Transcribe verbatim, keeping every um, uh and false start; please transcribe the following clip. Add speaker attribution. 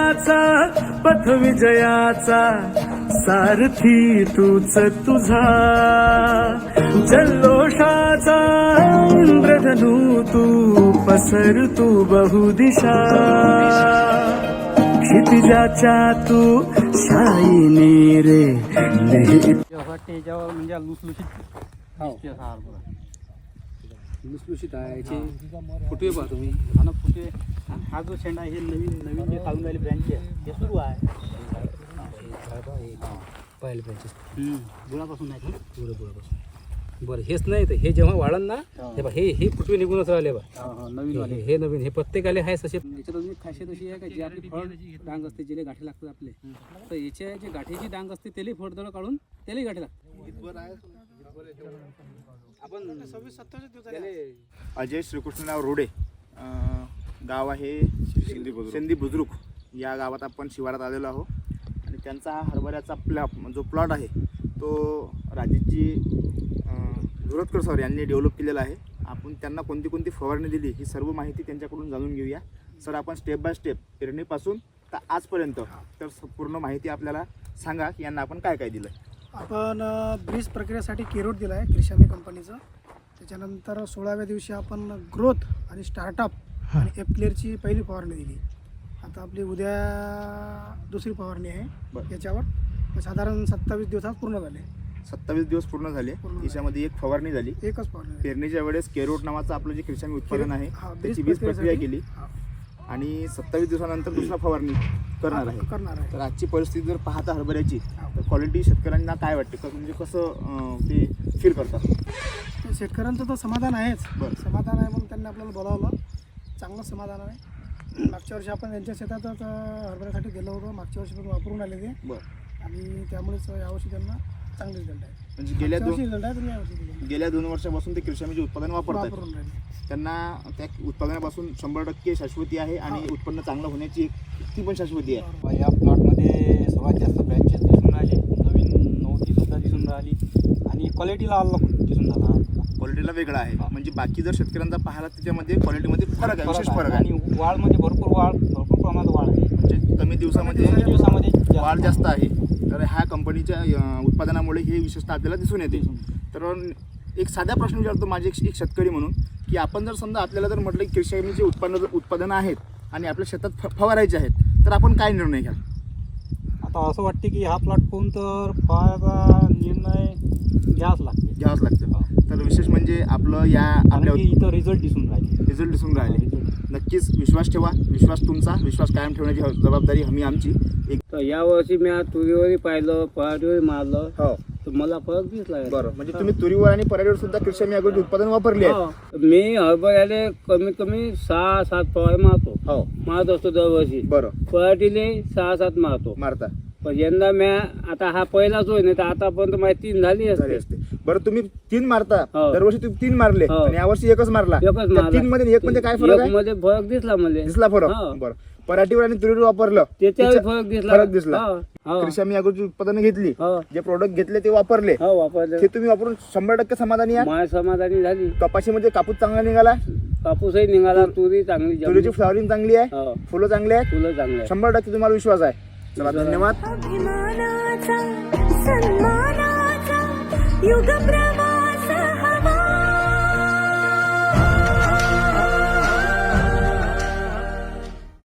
Speaker 1: यशाचा पथ विजयाचा सारथी तूच तुझा जल्लोषाचा इंद्रधनू तू पसर तू बहुदिशा क्षितिजाच्या तू शाईनी रे
Speaker 2: याच्यावर म्हणजे लुसलुशीत
Speaker 3: लुसलुशीत आहे याचे फुटवे पाहा तुम्ही.
Speaker 2: हा ना फुटे. हा जो शेंडा हे नवीन नवीन जे चालून राहिली ब्रँच आहे हे सुरू आहे
Speaker 3: पाहिले ब्रँचेस
Speaker 2: गुळापासून नाही का?
Speaker 3: पुढे पुढेपासून. बरं हेच नाही तर हे जेव्हा वाढन ना हे बा हे हे फुटवे निघूनच राहिले बा.
Speaker 2: नवीन वाले
Speaker 3: हे हे नवीन हे प्रत्येकाले आहे तसे.
Speaker 2: याच्यात अजून एक खासियत अशी आहे का जी आपली फळ डांग असते जिले गाठी लागतात आपले तर याच्या जे गाठीची डांग असते त्याला फळदळ काढून त्यालाही गाठी लागतात. आपण सव्वीस सत्तावीस
Speaker 4: अजय श्रीकृष्णराव रोडे अं, गाव आहे सिंधी बुद्रुक. या गावात आपण शिवारात आलेलो आहोत आणि त्यांचा हा हरभऱ्याचा प्लॉ जो प्लॉट आहे तो राजेशजी धुरतकर सर यांनी डेव्हलप केलेला आहे. आपण त्यांना कोणती कोणती फवारणी दिली ही सर्व माहिती त्यांच्याकडून जाणून घेऊया. सर आपण स्टेप बाय स्टेप पेरणीपासून तर आजपर्यंत तर पूर्ण माहिती आपल्याला सांगा की यांना आपण काय काय दिलं.
Speaker 5: आपण ब्रीज प्रक्रियेसाठी केरोट दिला आहे क्रिशामी कंपनीचं. त्याच्यानंतर सोळाव्या दिवशी आपण ग्रोथ आणि स्टार्टअप आणि एफ क्लिअरची पहिली फवारणी दिली. आता आपली उद्या दुसरी फवारणी आहे याच्यावर. साधारण सत्तावीस दिवसात पूर्ण झाले.
Speaker 4: सत्तावीस दिवस पूर्ण झाले. याच्यामध्ये एक फवारणी झाली.
Speaker 5: एकच फवारणी.
Speaker 4: पेरणीच्या वेळेस केरोट नावाचं आपलं जे क्रिशामी उत्पादन आहे त्याची वीज प्रक्रिया केली आणि सत्तावीस दिवसानंतर दुसरा फवारणी करणार आहे
Speaker 5: करणार आहे
Speaker 4: तर आजची परिस्थिती जर पाहता हरभऱ्याची तर क्वालिटी शेतकऱ्यांना काय वाटते का म्हणजे कसं ते फील करतात.
Speaker 5: शेतकऱ्यांचं तर समाधान आहेच.
Speaker 4: बरं.
Speaker 5: समाधान आहे म्हणून त्यांनी आपल्याला बोलावलं. चांगलं समाधान आहे. मागच्या वर्षी आपण त्यांच्या शेतातच हरभऱ्यासाठी गेलो होतो. मागच्या वर्षी पण वापरून आले ते.
Speaker 4: बरं.
Speaker 5: आणि त्यामुळेच यावर्षी त्यांना चांगले रिझल्ट आहे.
Speaker 4: म्हणजे गेल्या दोन
Speaker 5: रिझल्ट आहे तुम्ही यावर्षी
Speaker 4: गेल्या दोन वर्षापासून ते कृषीचे उत्पादन वापरतात.
Speaker 5: वापरून राहिले.
Speaker 4: त्यांना त्या उत्पादनापासून शंभर टक्के शाश्वती आहे आणि उत्पन्न चांगलं होण्याची एक ती पण शाश्वती आहे.
Speaker 2: या प्लॉटमध्ये सर्वात जास्त ब्रँचेस दिसून राहिले. नवीन नव्हती सुद्धा दिसून राहिली आणि क्वालिटीला अलग दिसून राहिला.
Speaker 4: क्वालिटीला वेगळा आहे. म्हणजे बाकी जर शेतकऱ्यांचा पाहिला त्याच्यामध्ये क्वालिटीमध्ये फरक आहे, विशेष फरक आहे.
Speaker 2: आणि वाढमध्ये भरपूर वाढ भरपूर प्रमाणात वाढ आहे.
Speaker 4: म्हणजे कमी दिवसामध्ये
Speaker 2: कमी दिवसामध्ये
Speaker 4: वाढ जास्त आहे. तर ह्या कंपनीच्या अं, उत्पादनामुळे हे विशेषतः आपल्याला दिसून येते. तर एक साधा प्रश्न विचारतो माझे एक शेतकरी म्हणून की आपण जर समजा आपल्याला जर म्हटलं की कृषीचे उत्पन्न उत्पादनं आहेत आणि आपल्या शेतात फ फवारायचे आहेत तर आपण काय निर्णय घ्याल.
Speaker 2: आता असं वाटते की हा प्लॉट पाहून तर फळाचा निर्णय घ्यावाच लागते
Speaker 4: घ्यावंच लागतं. तर विशेष म्हणजे आपलं या आपल्या
Speaker 2: इथं रिझल्ट दिसून राहिले.
Speaker 4: रिझल्ट दिसून राहिले. नक्कीच विश्वास ठेवा. विश्वास तुमचा. विश्वास कायम ठेवण्याची जबाबदारी हमी आमची. एक
Speaker 6: तर यावर्षी मी आज तुरीवरही पाहिलं पराठीवरही मारलं
Speaker 4: हो
Speaker 6: तर मला फरक दिसला.
Speaker 4: बरं. म्हणजे तुम्ही तुरीवर आणि पराठीवर सुद्धा कृषी अग्रोचे उत्पादन वापरले आहे.
Speaker 6: हो. मी हरभऱ्याले कमीत कमी सहा सात फवारे मारतो.
Speaker 4: हो
Speaker 6: मारत असतो दरवर्षी.
Speaker 4: बरं.
Speaker 6: पराठीले सहा सात मारतो.
Speaker 4: मारता
Speaker 6: पण यंदा मी आता हा पहिलाच होय नाही तर आतापर्यंत माझी तीन झाली
Speaker 4: झाली
Speaker 6: असते.
Speaker 4: असते. बरं तुम्ही तीन मारता.
Speaker 6: हो.
Speaker 4: दरवर्षी तुम्ही तीन मारले
Speaker 6: हो.
Speaker 4: आणि यावर्षी एकच मारला.
Speaker 6: एकच
Speaker 4: त्या
Speaker 6: मारला.
Speaker 4: तीन मध्ये एक मध्ये काय फरक आहे.
Speaker 6: मध्ये फरक दिसला मला.
Speaker 4: दिसला फरक.
Speaker 6: हो.
Speaker 4: बरं. पराठीवर आणि तुरीवर वापरलं
Speaker 6: त्याच्यावर
Speaker 4: त्याच्या-
Speaker 6: फरक दिसला.
Speaker 4: फरक दिसला.
Speaker 6: हो. हो.
Speaker 4: कृषी आम्ही अगोदरची उत्पादनं घेतली.
Speaker 6: हो.
Speaker 4: जे प्रोडक्ट घेतले ते वापरले.
Speaker 6: हो वापरले.
Speaker 4: ते तुम्ही वापरून शंभर टक्के समाधानी आहे.
Speaker 6: माझ्या समाधानी झाली.
Speaker 4: कपाशीमध्ये कापूस चांगला निघाला.
Speaker 6: कापूसही निघाला. तुरी चांगली जमली.
Speaker 4: तुरीची फ्लॉवरिंग चांगली आहे.
Speaker 6: हो.
Speaker 4: फुलं चांगली आहेत.
Speaker 6: फुलं चांगली आहे.
Speaker 4: शंभर टक्के तुम्हाला विश्वास आहे. चला धन्यवाद.
Speaker 7: अभिमानाचा सन्मानाचा युग